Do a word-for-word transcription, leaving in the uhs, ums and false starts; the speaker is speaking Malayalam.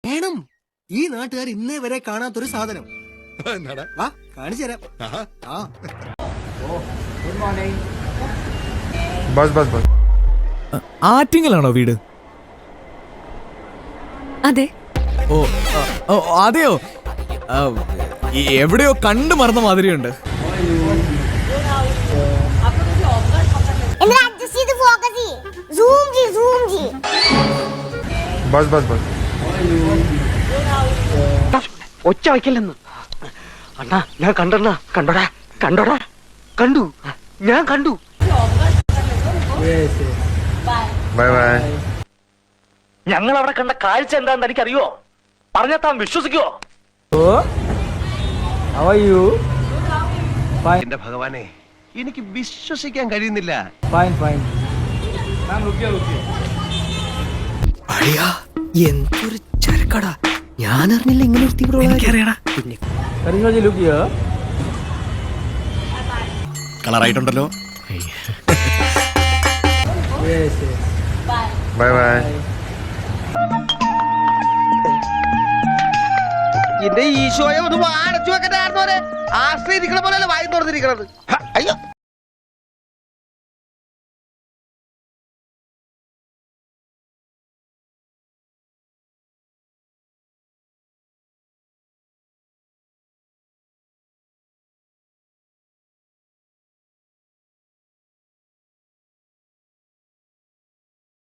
വേണം. ഈ നാട്ടുകാർ ഇന്നേ വരെ കാണാത്തൊരു സാധനം. വാ കാണിച്ചു തരാം. ആറ്റിങ്ങലാണോ വീട്? അതെ. ഓ ഓ അതെയോ? എവിടെയോ കണ്ടു മറന്ന മാതിരിയുണ്ട്. ഒച്ച വയ്ക്കല്ലെന്ന് അണ്ണാ. ഞാൻ കണ്ടണ്ണ. കണ്ടോടാ കണ്ടോടാ കണ്ടു. ഞാൻ കണ്ടു. ഞങ്ങൾ അവിടെ കണ്ട കാഴ്ച എന്താണെന്ന് എനിക്കറിയോ? പറഞ്ഞാൽ താൻ വിശ്വസിക്കോ? എന്റെ ഭഗവാനെ, എനിക്ക് വിശ്വസിക്കാൻ കഴിയുന്നില്ല. എന്തൊരു ചരക്കടാ. ഞാൻ അറിഞ്ഞില്ല ഇങ്ങനെ ഒരു തീവ്ര. കളറായിട്ടുണ്ടല്ലോ. Bye bye. എന്റെ ഈശോയെ ഒന്ന് അടച്ചു വെക്കണ്ടായിരുന്നോരെ. ആശ്രയിരിക്കണ പോലെയല്ല വായി തുറന്നിരിക്കണത്. അയ്യോ.